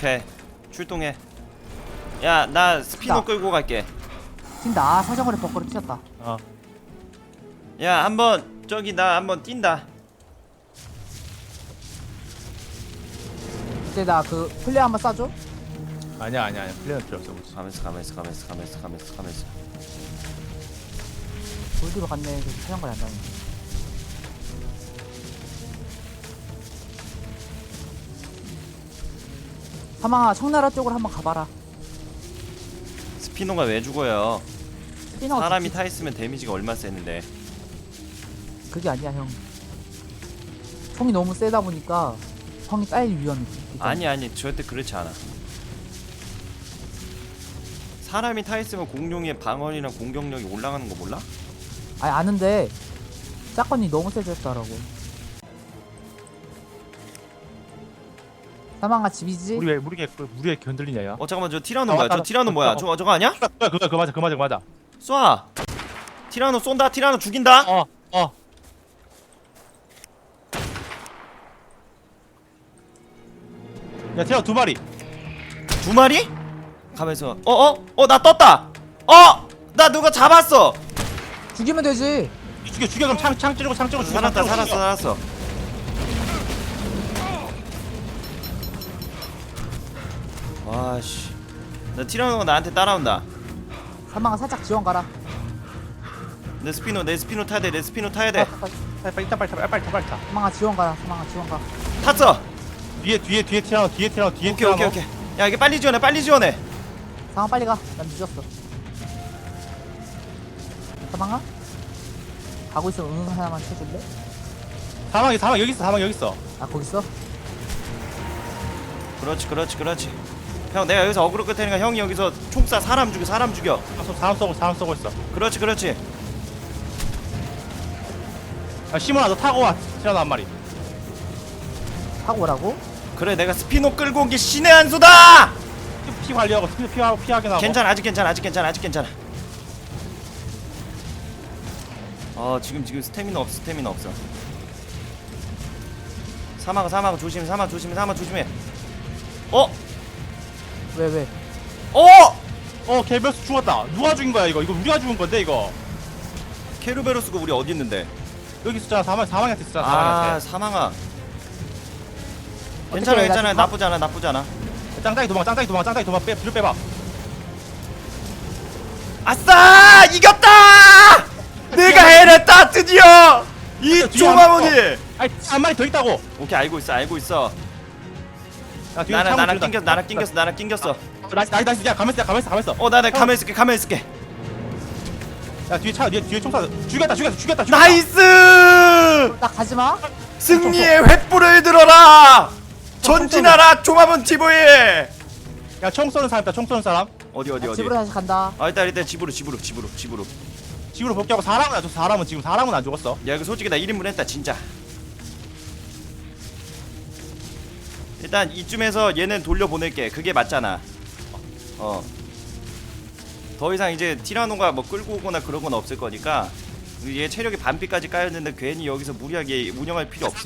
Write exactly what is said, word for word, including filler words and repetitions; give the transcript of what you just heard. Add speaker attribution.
Speaker 1: 오케이 출동해. 야 나 스피너
Speaker 2: 나.
Speaker 1: 끌고 갈게.
Speaker 2: 튄다. 아, 사정거리 벚거리 튀었다.
Speaker 1: 어. 야 한번 저기 나 한번 뛴다.
Speaker 2: 이제 나 그 플레이 한번 쏴줘.
Speaker 3: 아니야 아니야 아니야 플레이는 필요 없어 우리.
Speaker 1: 가면서 가면서 가면서 가면서 가면서 가면서.
Speaker 2: 골드로 갔네. 그 사정거리 안 나네. 사망아 청나라 쪽으로 한번 가봐라.
Speaker 1: 스피너가 왜 죽어요?
Speaker 2: 스피너가
Speaker 1: 사람이
Speaker 2: 죽지.
Speaker 1: 타 있으면 데미지가 얼마 세는데.
Speaker 2: 그게 아니야 형. 총이 너무 세다 보니까 형이 딸릴 위험이 있잖아.
Speaker 1: 아니 아니 절대 그렇지 않아. 사람이 타 있으면 공룡의 방어이랑 공격력이 올라가는 거 몰라?
Speaker 2: 아니 아는데 짝건이 너무 세졌더라고. 사망아 집이지?
Speaker 3: 우리 왜 우리 왜 우리 왜 견들리냐 야?
Speaker 1: 어 잠깐만 저 티라노
Speaker 3: 아,
Speaker 1: 뭐야?
Speaker 3: 맞다.
Speaker 1: 저 티라노
Speaker 3: 어,
Speaker 1: 뭐야?
Speaker 3: 어.
Speaker 1: 저거 저거 아니야?
Speaker 3: 그거 그거 그거 맞아 그거 맞아 그거 맞아.
Speaker 1: 쏴. 티라노 쏜다. 티라노 죽인다.
Speaker 3: 어 어. 야 태어 두 마리.
Speaker 1: 두 마리? 가면서 어어 어 나 떴다. 어 나 누가 잡았어.
Speaker 2: 죽이면 되지.
Speaker 3: 죽여 죽여 그럼 창 창 찌르고 창 찌르고 죽여,
Speaker 1: 살았다
Speaker 3: 창 찌르고
Speaker 1: 살았어
Speaker 3: 죽여.
Speaker 1: 살았어. 와씨. 나 티라노가 나한테 따라온다.
Speaker 2: 사망아 살짝 지원 가라.
Speaker 1: 내 스피노 내 스피노 타야 돼. 내 스피노 타야
Speaker 2: 어,
Speaker 1: 돼.
Speaker 3: 빨리 빨리 일단 빨리 타 빨리 타 빨리 타.
Speaker 2: 사망아 지원 가라. 사망아 지원 가.
Speaker 1: 탔어.
Speaker 3: 뒤에 뒤에 뒤에 티라노 뒤에 티라노 뒤에
Speaker 1: 오케이
Speaker 3: 티라노.
Speaker 1: 오케이 오케이. 야 이게 빨리 지원해 빨리 지원해.
Speaker 2: 사망아 빨리 가. 난 늦었어. 사망아? 가고 있으면 응 하나만 쳐줄래?
Speaker 3: 사망 사망 여기 있어 사망 여기 있어.
Speaker 2: 아 거기 있어?
Speaker 1: 그렇지 그렇지 그렇지. 형 내가 여기서 어그로 끌 테니까 형이 여기서 총 쏴. 사람 죽여 사람 죽여.
Speaker 3: 사람 사람 쏘고 사람 쏘고 있어.
Speaker 1: 그렇지 그렇지.
Speaker 3: 야 시몬아 너 타고 와 티라노 한 마리.
Speaker 2: 타고 오라고?
Speaker 1: 그래 내가 스피노 끌고 온 게 신의 한 수다.
Speaker 3: 피, 피 관리하고 피 피하고 피하게 나고.
Speaker 1: 괜찮아 아직 괜찮아 아직 괜찮아 아직 괜찮아. 어 지금 지금 스태미나 없어 스태미나 없어. 사막 사막 조심 사막 조심해 사막 조심해. 어?
Speaker 2: 왜 왜?
Speaker 1: 어?
Speaker 3: 어 개별수 죽었다. 누가 죽인 거야 이거? 이거 우리가 죽은 건데 이거.
Speaker 1: 케르베로스가 우리 어디 있는데?
Speaker 3: 여기 있었잖아 사망 사망한테 있었잖아
Speaker 1: 아
Speaker 3: 사망한테.
Speaker 1: 사망아. 괜찮아
Speaker 2: 어떡해, 나
Speaker 1: 괜찮아
Speaker 2: 지금
Speaker 1: 나쁘지 않아 나쁘지 않아.
Speaker 3: 짱짱이 도망 짱짱이 도망 짱짱이 도망 빼 뒤로 빼봐.
Speaker 1: 아싸 이겼다. 내가 해냈다 드디어 이
Speaker 3: 뒤에
Speaker 1: 조마모니.
Speaker 3: 아니 한 마리 더 있다고.
Speaker 1: 오케이 알고 있어 알고 있어.
Speaker 3: 야, 뒤에
Speaker 1: 나는
Speaker 3: 창문
Speaker 1: 나랑
Speaker 3: 찌른다.
Speaker 1: 낑겼 나랑 낑겼어 나랑 낑겼어.
Speaker 3: 나이스 나이스 나이스 야 가만있어 야 가만있어 가만있어.
Speaker 1: 어 나나 가만히 있을게 가만히 있을게.
Speaker 3: 야 뒤에 차 뒤에 뒤에 총사 죽였다 죽였다 죽였다 죽였다.
Speaker 1: 나이스.
Speaker 2: 나 가지마.
Speaker 1: 승리의 횃불을 들어라. 전진하라 조마몬 티보이.
Speaker 3: 야총 쏘는 사람 있다 총 쏘는 사람.
Speaker 1: 어디 어디 어디.
Speaker 2: 집으로 다시 간다.
Speaker 1: 아 일단 일단 집으로 집으로 집으로 집으로.
Speaker 3: 집으로 복귀하고 사람은 안 죽었어 사람은 지금 사람은 안 죽었어.
Speaker 1: 야 이거 솔직히 나 일 인분 했다 진짜. 일단 이쯤에서 얘는 돌려보낼게. 그게 맞잖아. 어. 더 이상 이제 티라노가 뭐 끌고 오거나 그런 건 없을 거니까 얘 체력이 반피까지 까였는데 괜히 여기서 무리하게 운영할 필요 없어.